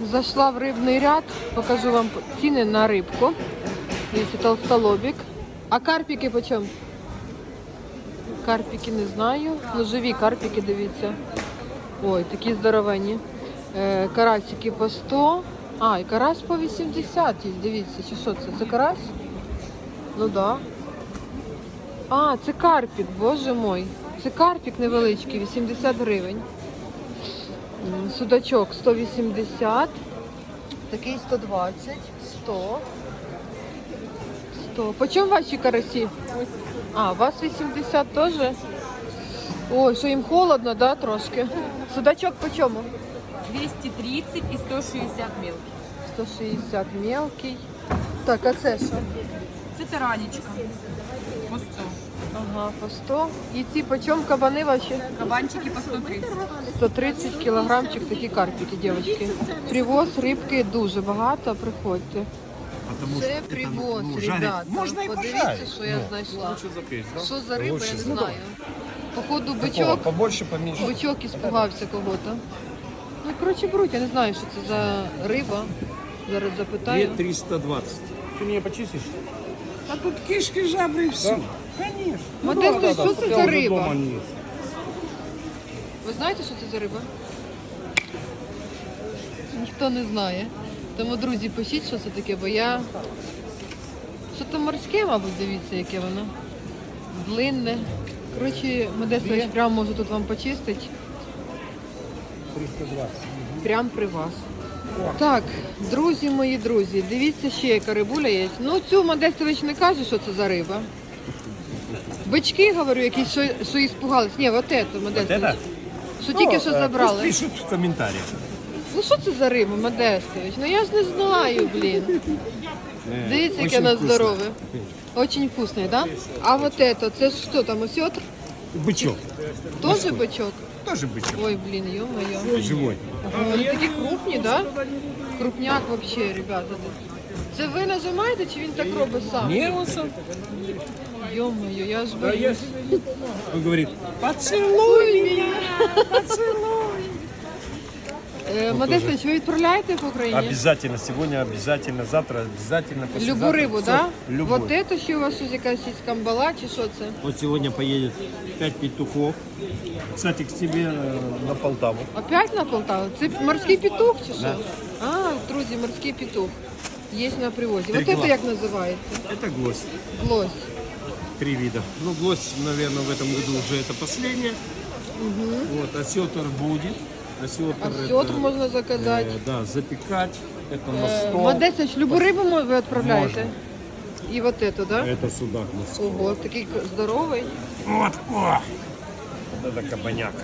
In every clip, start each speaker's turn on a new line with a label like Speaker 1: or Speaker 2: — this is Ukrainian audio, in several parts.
Speaker 1: Зайшла в рибний ряд, покажу вам ціни на рибку. Дивіться, толстолобик. А карпики по чому? Карпики не знаю. Ну, живі карпики, дивіться. Ой, такі здоровенні. Карасики по 100. А, і карась по 80 є, дивіться. Чи що це? Це карась? Ну да. А, це карпік, боже мой. Це карпік невеличкий, 80 гривень. Судачок 180. Такий 120, 100. 100. По чому ваші карасі? А, у вас 80 теж? Ой, що їм холодно, да, трошки? Судачок по чому?
Speaker 2: 230 и 160 мелкий.
Speaker 1: 160 мелкий. Так, а це що?
Speaker 2: Це таранечка. По 100.
Speaker 1: Ага, по 100. І ці по чому кабани ваші?
Speaker 2: Кабанчики по 130.
Speaker 1: 130 кілограмчик такі карпики, дівчатки. Привоз рибки дуже багато, приходьте. Це привоз, ребята.
Speaker 3: Можна і
Speaker 1: Подивіться,
Speaker 3: пожарити.
Speaker 1: що я знайшла. Що за риба,
Speaker 3: Лучше
Speaker 1: я не
Speaker 3: за
Speaker 1: знаю. Походу
Speaker 3: Такого,
Speaker 1: бичок,
Speaker 3: побольше, поменьше.
Speaker 1: бичок іспугався кого-то. Ну, коротше, беруть, я не знаю, що це за риба. Зараз запитаю.
Speaker 3: 320. Ты меня почистишь? А тут кишки, жабры и все. Конечно.
Speaker 1: Модесто, що це за риба?
Speaker 3: Дома нет.
Speaker 1: Ви знаєте, що це за риба? Ніхто не знає. Тому, друзі, пишіть, що це таке, бо я... Що то морське, мабуть, дивіться, яке воно. Длинне. Коротше, Модестович прямо може тут вам почистити.
Speaker 3: 320.
Speaker 1: Прямо при вас. Так, друзі мої друзі, дивіться, ще яка рибуля є. Ну, цю Модестович не каже, що це за риба. Бички, говорю, якісь, що іспугались. Ні, вот это, Модестович.
Speaker 3: это?
Speaker 1: Що тільки що забрали.
Speaker 3: Пусть пишут в комментариях.
Speaker 1: Ну що це за риба, Модестович? Ну я ж не знаю, блін. Дивіться, яке воно здорове. Очень вкусне, да? А вот это, це що там, осьотр?
Speaker 3: Бычок.
Speaker 1: Тоже бичок?
Speaker 3: Тоже бычок.
Speaker 1: Ой, блін, ё-моё.
Speaker 3: Живой.
Speaker 1: Ага, вони такі крупні, да? Крупняк вообще, ребята. Це ви нажимаєте, чи він так робить сам?
Speaker 3: Не, он сам.
Speaker 1: Ё-моё, я ж боюсь.
Speaker 3: Он говорит, поцелуй меня, поцелуй.
Speaker 1: Модестович, ви відправляєте в Україні?
Speaker 3: Обязательно, сегодня обязательно, завтра обязательно.
Speaker 1: Любу рибу,
Speaker 3: Всё,
Speaker 1: да?
Speaker 3: Любую.
Speaker 1: Вот это ще у вас щось якась є камбала, чи що це?
Speaker 3: Вот сегодня поедет 5 петухов. Кстати, к тебе на Полтаву.
Speaker 1: Опять на Полтаву? Це морський петух чи що? А, друзі, морський петух. Є на привозі. Вот
Speaker 3: Трикла.
Speaker 1: это як називається?
Speaker 3: Это гвоздь.
Speaker 1: Глось.
Speaker 3: 3 вида. Ну, гвоздь, наверное, в этом году уже это последнее. Вот, осетр будет. Осетр,
Speaker 1: Осетр
Speaker 3: это,
Speaker 1: можна заказати.
Speaker 3: да, запекать. Это на стол.
Speaker 1: Модестович, любу рибу ви відправляєте? І вот это, да?
Speaker 3: Это судак на стол.
Speaker 1: Ого, такий здоровий.
Speaker 3: Вот, о! Вот это кабаняка.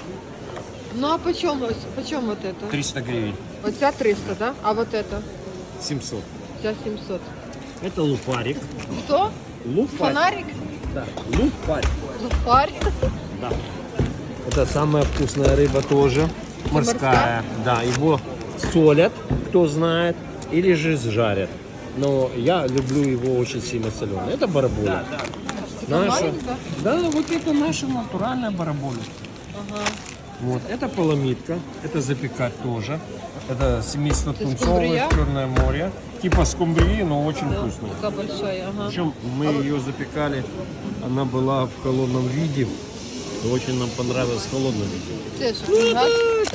Speaker 1: Ну а по чому вот это?
Speaker 3: 300 гривен.
Speaker 1: Оця 300, да? А вот это?
Speaker 3: 700.
Speaker 1: Ця 700.
Speaker 3: Это лупарик.
Speaker 1: Хто?
Speaker 3: Лупарик.
Speaker 1: Фонарик?
Speaker 3: Да, лупарик.
Speaker 1: Лупарик.
Speaker 3: Да. Это самая вкусная рыба тоже. Морская. Да, его солят, кто знает, или же жарят. Но я люблю его очень сильно соленый. Это бараболя. Наша.
Speaker 1: маленькая?
Speaker 3: Да, вот это наша натуральная бараболя.
Speaker 1: Ага.
Speaker 3: Вот, это поломитка, это запекать тоже. Это семейство
Speaker 1: Это
Speaker 3: тунцовое,
Speaker 1: скумбрия?
Speaker 3: Черное море. Типа скумбрии, но очень вкусная.
Speaker 1: Така большая, ага.
Speaker 3: Причем мы ее запекали, она была в холодном виде. И очень нам понравилось в холодном виде.
Speaker 1: Це що, фунгас?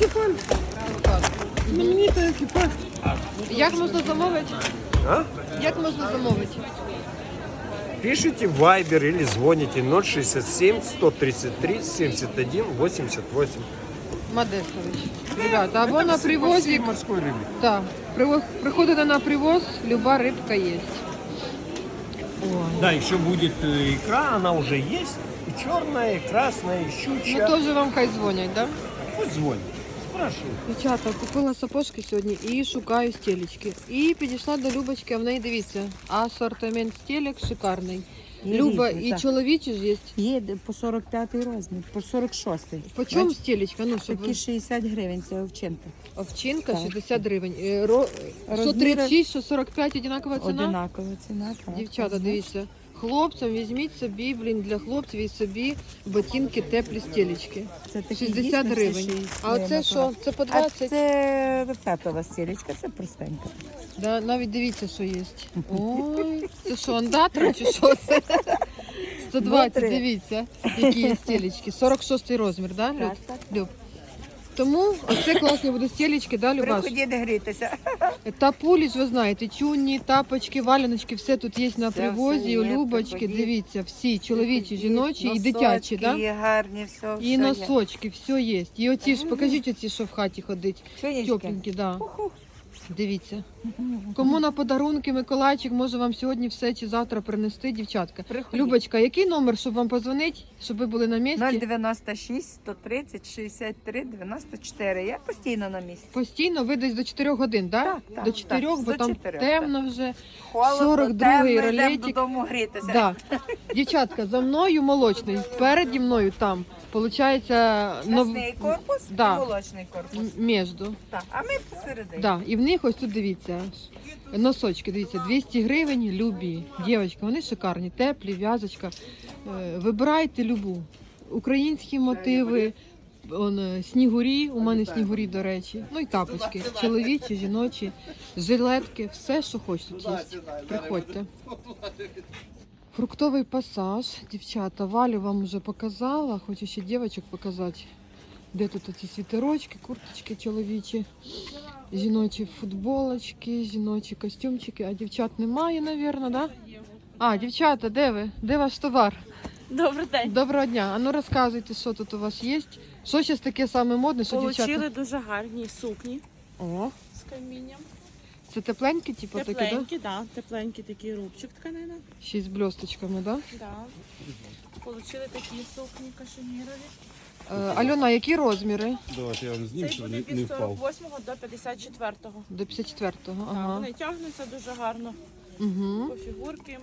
Speaker 1: Так.
Speaker 3: Знаменитая экипаж.
Speaker 1: Як можна замовити?
Speaker 3: А?
Speaker 1: Як можна замовити?
Speaker 3: Пишите в Viber или звоните 067 133 71 88.
Speaker 1: Модестович. Ребята, або на привозі.
Speaker 3: Морской рыбы.
Speaker 1: Так, приходите на привоз, люба рибка є. Ой.
Speaker 3: Да, еще будет икра, она уже есть. И черная, и красная, и
Speaker 1: Ну
Speaker 3: щучья.
Speaker 1: теж вам хай дзвонять, так? Да?
Speaker 3: Пусть звонит. Спрашивай.
Speaker 1: Дівчата, купила сапожки сьогодні і шукаю стелечки. І підійшла до Любочки, а в неї дивіться, асортимент стелек шикарний.
Speaker 2: Є
Speaker 1: Люба,
Speaker 2: різні,
Speaker 1: і
Speaker 2: так.
Speaker 1: чоловічі ж є.
Speaker 2: Є по 45 розмір, по 46.
Speaker 1: По чому стелечка? Ну, щоб
Speaker 2: Такі 60 гривень, це овчинка.
Speaker 1: овчинка
Speaker 2: Так.
Speaker 1: 60 гривень. Що
Speaker 2: Розміри-
Speaker 1: 36, що 45 одинакова ціна?
Speaker 2: Одинакова ціна. Так.
Speaker 1: Дівчата,
Speaker 2: Ага.
Speaker 1: дивіться. Хлопцям візьміть собі, для хлопців і собі ботинки теплі стілечки.
Speaker 2: Це такі
Speaker 1: 60
Speaker 2: дійсно
Speaker 1: гривень.
Speaker 2: ще й
Speaker 1: А оце
Speaker 2: своє
Speaker 1: що? Це по
Speaker 2: А
Speaker 1: 20?
Speaker 2: це татова стілечка, це простенька.
Speaker 1: Да, навіть дивіться, що є. Ой, це що, андатра чи що це? 120,
Speaker 2: Смотри.
Speaker 1: дивіться, які є стілечки. 46 розмір, да, Люд?
Speaker 2: Так.
Speaker 1: Люб? Тому оце класні будуть стілечки, да, Любаш?
Speaker 2: Приходіть грітися.
Speaker 1: Та пулі ж ви знаєте, чунні, тапочки, валяночки, все тут є на
Speaker 2: Все,
Speaker 1: привозі,
Speaker 2: все є,
Speaker 1: Любочки,
Speaker 2: приходіть.
Speaker 1: дивіться, всі, чоловічі,
Speaker 2: Приходіть.
Speaker 1: жіночі і дитячі, да?
Speaker 2: Носочки є гарні, все.
Speaker 1: І носочки, все є. І оці ж, покажіть оці, що в хаті ходить.
Speaker 2: Сонечки.
Speaker 1: Тепленькі, да. Дивіться. Кому на подарунки Миколайчик може вам сьогодні все чи завтра принести, дівчатка.
Speaker 2: Приходіть.
Speaker 1: Любочка, який номер, щоб вам позвонити, щоб ви були на місці?
Speaker 2: 096 130 63 94. Я постійно на місці.
Speaker 1: Постійно ви десь до 4 годин, да?
Speaker 2: Так, так,
Speaker 1: До 4,
Speaker 2: так,
Speaker 1: бо
Speaker 2: до
Speaker 1: там
Speaker 2: 4,
Speaker 1: темно вже.
Speaker 2: Холодно,
Speaker 1: 42-й
Speaker 2: темно, йдемо
Speaker 1: ролетик.
Speaker 2: додому грітися.
Speaker 1: Да. Дівчатка, за мною молочний, переді мною там, виходить,
Speaker 2: Мясний корпус
Speaker 1: Да.
Speaker 2: і молочний корпус.
Speaker 1: міжду.
Speaker 2: Так, а ми посередині.
Speaker 1: Да. І в них ось тут дивіться, носочки, дивіться, 200 гривень, любі. Дівчатка, вони шикарні, теплі, в'язочка. Вибирайте любу. Українські мотиви, снігурі, у мене снігурі, до речі. Ну і тапочки, чоловічі, жіночі, жилетки, все, що хочете, є. Приходьте. Фруктовий пасаж, дівчата, Валю вам вже показала, хочу ще дівчаток показати. Де тут оці світерочки, курточки чоловічі, жіночі футболочки, жіночі костюмчики, а дівчат немає, мабуть, да? А, дівчата, де ви? Де ваш товар?
Speaker 4: Добрий день.
Speaker 1: Доброго дня. А ну розказуйте, що тут у вас є. Що зараз таке саме модне, що
Speaker 4: Получили
Speaker 1: дівчата?
Speaker 4: дуже гарні сукні
Speaker 1: О,
Speaker 4: з камінням.
Speaker 1: це тепленькі, типу, такі, да?
Speaker 4: Тепленькі, да? Тепленький такий рубчик тканина.
Speaker 1: Ще й з блісточками, да?
Speaker 4: Да. Получили такі сукні кашемірові.
Speaker 1: Альона, які розміри?
Speaker 5: Давайте я вам зніму,
Speaker 4: Цей
Speaker 5: щоб
Speaker 4: буде
Speaker 5: не
Speaker 4: від
Speaker 5: впав.
Speaker 4: 48 до 54-го.
Speaker 1: До 54-го,
Speaker 4: Да,
Speaker 1: ага.
Speaker 4: вони тягнуться дуже гарно
Speaker 1: Угу.
Speaker 4: по фігурки.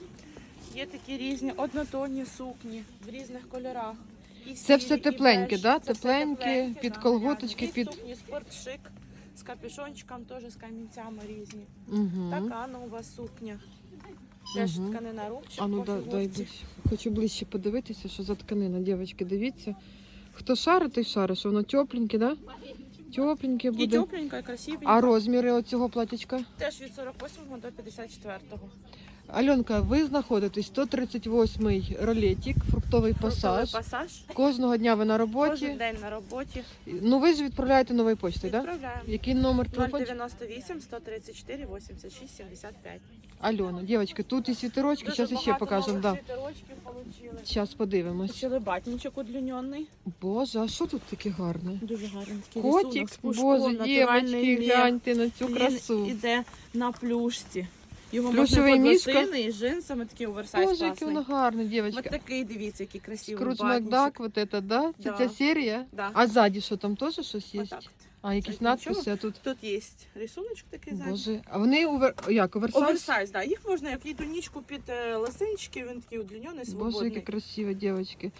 Speaker 4: Є такі різні однотонні сукні в різних кольорах. І
Speaker 1: Це
Speaker 4: сірі,
Speaker 1: все
Speaker 4: і
Speaker 1: тепленьке,
Speaker 4: беж.
Speaker 1: да?
Speaker 4: Це все
Speaker 1: Тепленьке, під
Speaker 4: да,
Speaker 1: колготочки,
Speaker 4: Є
Speaker 1: під...
Speaker 4: сукні спортшик з капюшончиком, теж з камінцями різні.
Speaker 1: Угу.
Speaker 4: Така нова сукня. Теж
Speaker 1: Мгм.
Speaker 4: тканина рубчик
Speaker 1: А ну
Speaker 4: по
Speaker 1: дай
Speaker 4: фігурці.
Speaker 1: ближче. Хочу ближче подивитися, що за тканина. Дівчатки, дивіться. Хто шарить, той шарить, що воно тепленьке, да? Тепленьке
Speaker 4: І
Speaker 1: буде.
Speaker 4: тепленька, і красивенька.
Speaker 1: А розміри оцього платічка?
Speaker 4: Теж від 48 до 54-го.
Speaker 1: Альонка, ви знаходитесь 138-й ролетик, фруктовий пасаж.
Speaker 4: Пасаж.
Speaker 1: Кожного дня ви на
Speaker 4: Кожен
Speaker 1: роботі.
Speaker 4: день на роботі.
Speaker 1: Ну ви ж відправляєте новою почтою, так? Да?
Speaker 4: Відправляємо.
Speaker 1: Який номер телефону?
Speaker 4: 098 134 86 75.
Speaker 1: Альона, дівчатки, тут і світерочки, зараз ще покажемо. Да.
Speaker 4: Світерочків получили.
Speaker 1: Зараз подивимось.
Speaker 4: Почали батничок удлінений.
Speaker 1: Боже, а що тут таке гарне?
Speaker 4: Дуже гарний такий
Speaker 1: Котик,
Speaker 4: рисунок з пушком,
Speaker 1: боже,
Speaker 4: натуральний
Speaker 1: дівчатки,
Speaker 4: мех.
Speaker 1: гляньте на цю
Speaker 4: Він
Speaker 1: красу.
Speaker 4: іде на плюшці. Його
Speaker 1: Плюшевий
Speaker 4: можна
Speaker 1: мішка?
Speaker 4: під лосини і джинсами, такий оверсайз
Speaker 1: Боже, який
Speaker 4: класний.
Speaker 1: воно гарне,
Speaker 4: Ось
Speaker 1: дівчатка.
Speaker 4: такий, дивіться, який красивий
Speaker 1: Скрудж
Speaker 4: батничок.
Speaker 1: Макдак, вот это, да? Це
Speaker 4: Да.
Speaker 1: ця серія?
Speaker 4: Да.
Speaker 1: А ззаді що, там теж щось є?
Speaker 4: Отак.
Speaker 1: А, якісь
Speaker 4: Це
Speaker 1: надписи,
Speaker 4: нічого.
Speaker 1: а тут...
Speaker 4: Тут є рисуночок такий ззаді.
Speaker 1: Боже, а вони як, оверсайз?
Speaker 4: Оверсайз, да. Їх можна як і тунічку під лосинчики, він такий удлінений,
Speaker 1: Боже,
Speaker 4: свободний.
Speaker 1: які красиві дівчатки.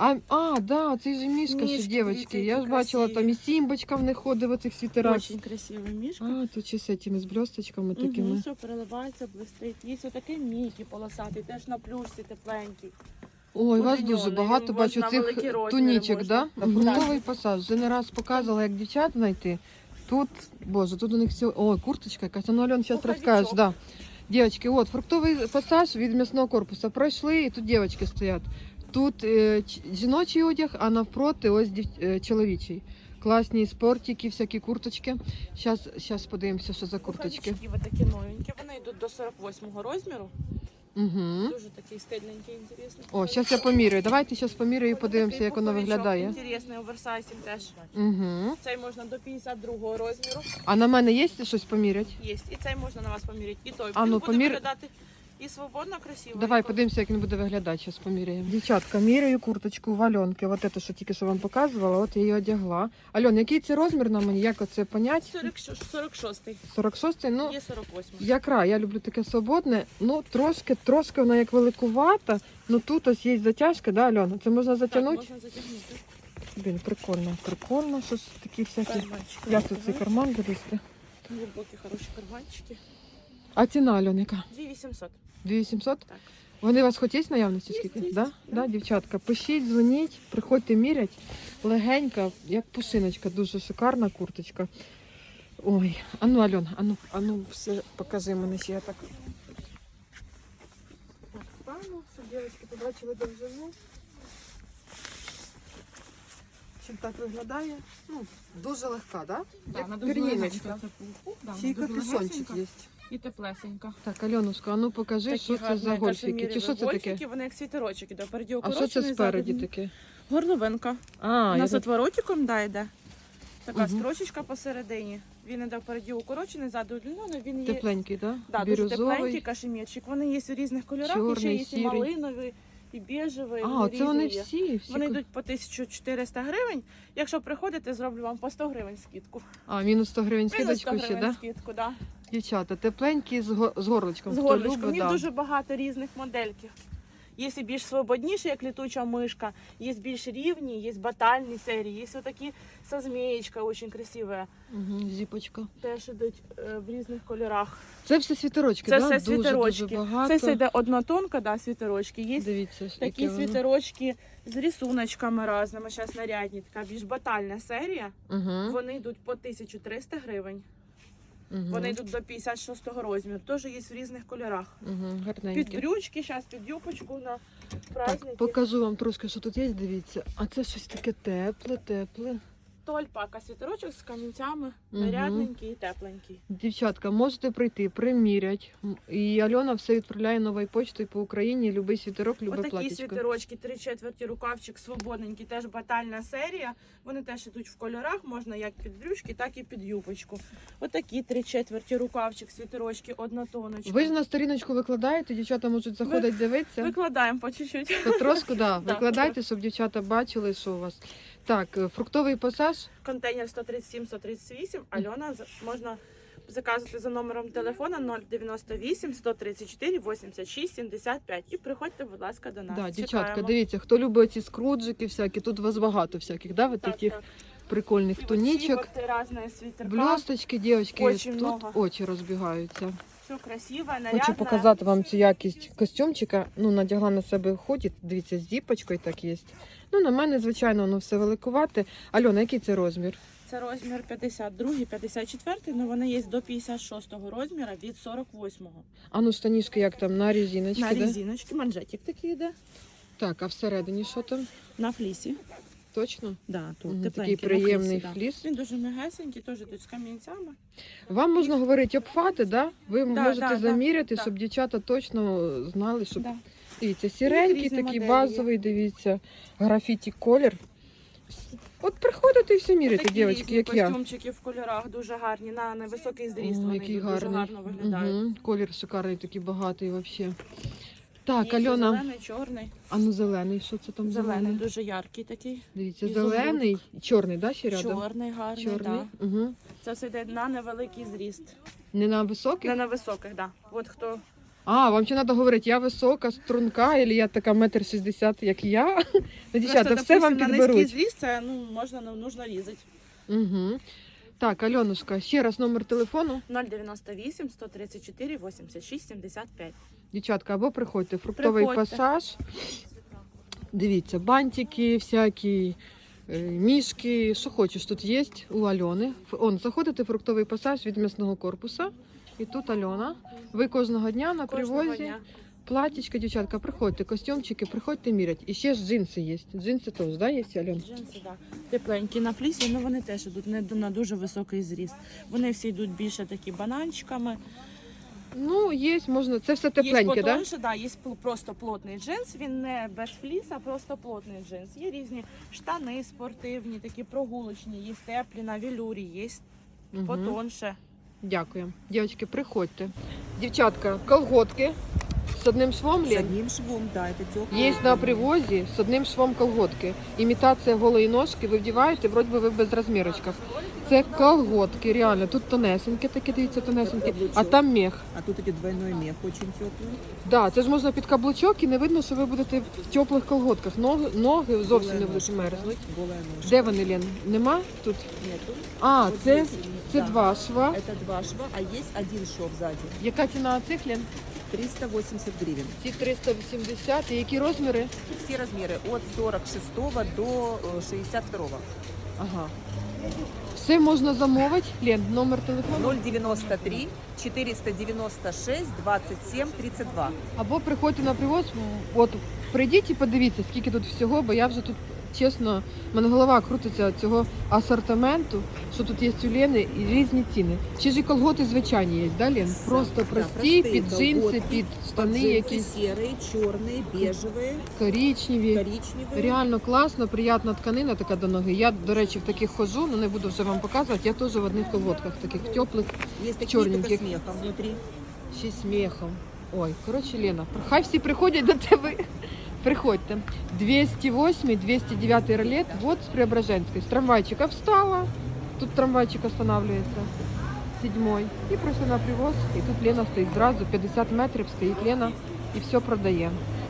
Speaker 1: Да, цей же мішка ще,
Speaker 4: Мішки,
Speaker 1: дівчатки.
Speaker 4: дивіться,
Speaker 1: Я
Speaker 4: які
Speaker 1: ж бачила,
Speaker 4: красиві.
Speaker 1: там і Сімбочка в них ходить в оцих світерах.
Speaker 4: Очень красивий мішка.
Speaker 1: А, тут ще з цими, з блісточками
Speaker 4: Угу,
Speaker 1: такими.
Speaker 4: все переливається, блистить. Є отакий Мікі полосатий, теж на плюшці тепленький.
Speaker 1: Ой, у вас
Speaker 4: Удліньоний,
Speaker 1: дуже багато
Speaker 4: можна
Speaker 1: бачу цих
Speaker 4: великі розміри
Speaker 1: тунічок,
Speaker 4: можна.
Speaker 1: да? Новий пасаж. Вже не раз показувала, як дівчат знайти. Тут, боже, тут у них все... Ой, курточка якась. А ну, Альон, зараз
Speaker 4: Пуховичок.
Speaker 1: розкажеш. Да. Дівчатки, от, фруктовий пасаж від м'ясного корпусу пройшли, і тут дівчатки стоять. Тут жіночий одяг, а навпроти ось чоловічий. Класні спортики, всякі курточки. Зараз подивимося, що за курточки.
Speaker 4: Пуховички такі новенькі, вони йдуть до 48-го розміру.
Speaker 1: Угу.
Speaker 4: Дуже такий стильненький, інтересний.
Speaker 1: О, зараз я поміряю. Давайте зараз поміряю і подивимося, як воно виглядає.
Speaker 4: Інтересний оверсайзінг теж.
Speaker 1: Угу.
Speaker 4: Цей можна до 52-го розміру.
Speaker 1: А на мене є щось поміряти?
Speaker 4: Є. І цей можна на вас поміряти. І той.
Speaker 1: А,
Speaker 4: Він
Speaker 1: ну,
Speaker 4: буде
Speaker 1: помір-
Speaker 4: виглядати і свободно, красиво.
Speaker 1: Давай
Speaker 4: і
Speaker 1: подивимося, як він буде виглядати. Зараз поміряємо. Дівчатка, міряю курточку в Альонки. От це, що тільки що вам показувала, от я її одягла. Альон, який це розмір на мені? Як оце понять?
Speaker 4: 46-й.
Speaker 1: 46-й? Ну,
Speaker 4: Є 48-й.
Speaker 1: я люблю таке свободне. Ну, трошки вона як великувата. Ну тут ось є затяжка, да, Альона? Це можна
Speaker 4: Так,
Speaker 1: затягнути?
Speaker 4: можна затягнути.
Speaker 1: Блін, прикольно. Щось такі всякі.
Speaker 4: Карманчики.
Speaker 1: Як тут цей карман залізти?
Speaker 4: Глибокі, хороші карманчики.
Speaker 1: А ціна, Альон, яка?
Speaker 4: 2800.
Speaker 1: 2800?
Speaker 4: Так.
Speaker 1: Вони у вас хоч є в наявності скільки?
Speaker 4: Є,
Speaker 1: Да? Да, дівчатка, пишіть, дзвоніть, приходьте мірять. Легенька, як пушиночка, дуже шикарна курточка. Ой, ану, Альон, ану, все покажи мене ще я так. Так, стану, щоб дівчатки побачили довжину. Чим так виглядає? Ну, дуже легка, да? Як пір'їночка. Ще й капюшончик є.
Speaker 4: І теплесенька.
Speaker 1: Так, Альонушка, а ну покажи, що це за гольфіки. Чи що це таке?
Speaker 4: Гольфіки, вони як світерочок іде. Впереді
Speaker 1: А що це
Speaker 4: укорочений,
Speaker 1: спереді
Speaker 4: ззаду
Speaker 1: таке?
Speaker 4: горловинка.
Speaker 1: А,
Speaker 4: У нас
Speaker 1: я...
Speaker 4: отворотиком йде. Така
Speaker 1: Мгм.
Speaker 4: строчечка посередині. Він іде впереді укорочений, ззаду удлінений. Він є
Speaker 1: Тепленький, да?
Speaker 4: дуже тепленький
Speaker 1: Бірюзовий.
Speaker 4: кашемірчик. Вони є у різних кольорах, і ще
Speaker 1: Чорний,
Speaker 4: є і
Speaker 1: сірий.
Speaker 4: малиновий, і біжевий.
Speaker 1: А, це вони
Speaker 4: різні є.
Speaker 1: всі.
Speaker 4: Вони йдуть по 1400 гривень. Якщо приходите, зроблю вам по 100 гривень скидку.
Speaker 1: А, мінус 100 гривень
Speaker 4: Мінус 100
Speaker 1: скидочку ще,
Speaker 4: гривень
Speaker 1: да?
Speaker 4: скидку, да.
Speaker 1: Дівчата, тепленькі з горлочком.
Speaker 4: З
Speaker 1: Хто
Speaker 4: горлочком.
Speaker 1: любить,
Speaker 4: Їх
Speaker 1: да.
Speaker 4: дуже багато різних модельків. Є і більш свободніші, як літуча мишка, є більш рівні, є батальні серії, є отакі со змієчка, дуже красиві.
Speaker 1: Угу, зіпочка.
Speaker 4: Теж йдуть в різних кольорах.
Speaker 1: Це все світерочки,
Speaker 4: Це
Speaker 1: да?
Speaker 4: все
Speaker 1: Дуже,
Speaker 4: світерочки.
Speaker 1: дуже багато.
Speaker 4: Це все йде однотонка, да, світерочки. Є
Speaker 1: Дивіться,
Speaker 4: такі
Speaker 1: яке воно.
Speaker 4: світерочки з рисуночками різними, зараз нарядні, така більш батальна серія.
Speaker 1: Угу,
Speaker 4: Вони йдуть по 1300 гривень.
Speaker 1: угу,
Speaker 4: Вони йдуть до 56-го розміру. Теж є в різних кольорах.
Speaker 1: угу,
Speaker 4: Під
Speaker 1: гарненькі.
Speaker 4: брючки, зараз під юбочку на праздники.
Speaker 1: Так, покажу вам трошки, що тут є, дивіться. А це щось таке тепле.
Speaker 4: То альпака світерочок з камінцями,
Speaker 1: Мгм.
Speaker 4: нарядненький і тепленький.
Speaker 1: Дівчатка, можете прийти, примірять. І Альона все відправляє новою почтою по Україні. Любий світерок, любе
Speaker 4: Отакі
Speaker 1: платічко.
Speaker 4: світерочки, 3/4 рукавчик свободненький, теж батальна серія. Вони теж йдуть в кольорах, можна як під брючки, так і під юбочку. Отакі 3/4 рукавчик, світерочки, однотоночка.
Speaker 1: Ви ж на сторіночку викладаєте, дівчата можуть заходити дивитися.
Speaker 4: Викладаємо по чуть-чуть.
Speaker 1: Потрошку, да.
Speaker 4: Так.
Speaker 1: Викладайте, щоб дівчата бачили, що у вас. Так, фруктовий пасаж.
Speaker 4: Контейнер 137-138. Альона, можна заказувати за номером телефона 098 134 86 75. І приходьте, будь ласка, до нас.
Speaker 1: Да, дівчатка,
Speaker 4: Чекаємо.
Speaker 1: дивіться, хто любить ці скруджики всякі, тут у вас багато всяких, да, вот
Speaker 4: Так,
Speaker 1: таких
Speaker 4: так.
Speaker 1: прикольних
Speaker 4: І
Speaker 1: тунічок,
Speaker 4: оці от різні світерка.
Speaker 1: блісточки, дівчатки,
Speaker 4: Очень
Speaker 1: тут
Speaker 4: много.
Speaker 1: очі розбігаються.
Speaker 4: Все красиво, нарядно.
Speaker 1: Хочу показати вам цю якість костюмчика. Ну, надягла на себе ходить, дивіться, з діпочкою так є. Ну, на мене, звичайно, воно все великувате. Альона, який це розмір?
Speaker 4: Це розмір 52, 54, але вони є до 56 розміру від 48-го.
Speaker 1: А ну, штанішки як там, на резиночці,
Speaker 4: На
Speaker 1: да?
Speaker 4: резиночки, манжетик такий йде.
Speaker 1: Так, а всередині що там?
Speaker 4: На флісі.
Speaker 1: Точно?
Speaker 4: Да, тут
Speaker 1: Мгм,
Speaker 4: тепленький,
Speaker 1: такий приємний
Speaker 4: на флісі, да.
Speaker 1: фліс.
Speaker 4: Він дуже м'ягесенький, теж тут з камінцями.
Speaker 1: Вам можна говорити обхвати, да? Ви можете
Speaker 4: да,
Speaker 1: заміряти,
Speaker 4: да.
Speaker 1: щоб дівчата точно знали, щоб...
Speaker 4: Да.
Speaker 1: Дивіться, сіренький,
Speaker 4: різні
Speaker 1: такий
Speaker 4: моделі
Speaker 1: базовий, дивіться, графіті колір. От приходите і все міряйте,
Speaker 4: Такі
Speaker 1: дівчатки,
Speaker 4: різні
Speaker 1: як я.
Speaker 4: костюмчики в кольорах дуже гарні, на невисокий зріст
Speaker 1: О,
Speaker 4: вони
Speaker 1: який
Speaker 4: йдуть, дуже
Speaker 1: гарний.
Speaker 4: гарно виглядають.
Speaker 1: Угу. Колір шикарний, такий багатий взагалі. Так,
Speaker 4: Є
Speaker 1: Альона,
Speaker 4: зелений, чорний.
Speaker 1: а ну зелений, що це там
Speaker 4: Зелений,
Speaker 1: зелений?
Speaker 4: дуже яркий такий.
Speaker 1: Дивіться,
Speaker 4: ізумруд.
Speaker 1: зелений, чорний, да, ще рядом?
Speaker 4: Чорний, гарний,
Speaker 1: Чорний.
Speaker 4: Да.
Speaker 1: Угу.
Speaker 4: Це все йде на невеликий зріст.
Speaker 1: Не на високий?
Speaker 4: Не на високих, так. Да. От хто
Speaker 1: А, вам ще треба говорити, я висока, струнка, або я така 1,60 м, як я. Ну, дівчата,
Speaker 4: просто,
Speaker 1: все вам
Speaker 4: допустим, на низький
Speaker 1: підберуть.
Speaker 4: зріст, це можна, нужно різати.
Speaker 1: Угу. Так, Альонушка, ще раз номер телефону.
Speaker 4: 098 134 86 75.
Speaker 1: Дівчатка, або приходьте, фруктовий
Speaker 4: Приходьте.
Speaker 1: пасаж. Дивіться, бантики всякі, мішки, що хочеш, тут є у Альони. Заходите в фруктовий пасаж від м'ясного корпуса. І тут Альона. Ви кожного дня на
Speaker 4: Кожного
Speaker 1: привозі.
Speaker 4: дня.
Speaker 1: Платічка, дівчатка, приходьте, костюмчики, приходьте мірять. І ще ж джинси є. Джинси теж, да, є, Альон?
Speaker 4: Джинси, да. Тепленькі на флісі, але вони теж йдуть не на дуже високий зріст. Вони всі йдуть більше такі бананчиками.
Speaker 1: Ну, є, можна, це все
Speaker 4: Є
Speaker 1: тепленьке, да?
Speaker 4: потонше, да, є просто плотний джинс, він не без фліса, просто плотний джинс. Є різні штани спортивні, такі прогулочні, є теплі на велюрі, є
Speaker 1: Мгм.
Speaker 4: потонше.
Speaker 1: Дякую. Дівчатки, приходьте. Дівчатка, колготки з одним швом,
Speaker 2: С
Speaker 1: Лен?
Speaker 2: одним швом, да, это теплый.
Speaker 1: Є на привозі з одним швом колготки. Імітація голої ножки, ви вдіваєте, вроді би ви без розмірочків. Це колготки, реально. Тут тонесенькі такі, дивіться, тонесенькі, а там мех.
Speaker 2: А тут идет двойной мех, очень теплый.
Speaker 1: Да, це ж можна під каблучок і не видно, що ви будете в теплих колготках. Ноги зовсім не будуть мерзнути.
Speaker 2: Голая ножка.
Speaker 1: Де вони, Лен? Нема тут?
Speaker 2: Нету.
Speaker 1: А,
Speaker 2: Вот
Speaker 1: це,
Speaker 2: здесь,
Speaker 1: це
Speaker 2: да.
Speaker 1: два шва.
Speaker 2: Это два шва, а есть один шов сзади.
Speaker 1: Яка ціна цих, Лен?
Speaker 5: 380 гривен.
Speaker 1: Ці 380. І які розміри?
Speaker 5: Все размеры от 46 до 62.
Speaker 1: Ага. Все можна замовити. Лен, номер телефону.
Speaker 5: 093 496 27 32.
Speaker 1: Або приходьте на привоз. От прийдіть і подивіться, скільки тут всього, бо я вже тут, чесно, в мене голова крутиться від цього асортименту, що тут є у Лени і різні ціни. Ще ж і колготи звичайні є, да, Лен? Просто
Speaker 5: Да,
Speaker 1: прості,
Speaker 5: простые
Speaker 1: під джинси,
Speaker 5: колготки,
Speaker 1: під штани
Speaker 5: Джинсы
Speaker 1: якісь
Speaker 5: серые, черные, бежевые,
Speaker 1: коричневі.
Speaker 5: коричневые.
Speaker 1: Реально класно, приятна тканина така до ноги. Я, до речі, в таких ходжу, ну не буду вже вам показувати. Я теж в одних колготках, таких теплих,
Speaker 5: Есть такие только
Speaker 1: черненьких.
Speaker 5: с мехом внутри.
Speaker 1: ще й сміхом. Ой, коротше, Лена, хай всі приходять до тебе. Приходьте. 208, 209 ролет, вот с Преображенской. С трамвайчика встала, тут трамвайчик останавливается, 7-й. И просто на привоз, и тут Лена стоит сразу, 50 метрів стоїть Лена і все продає.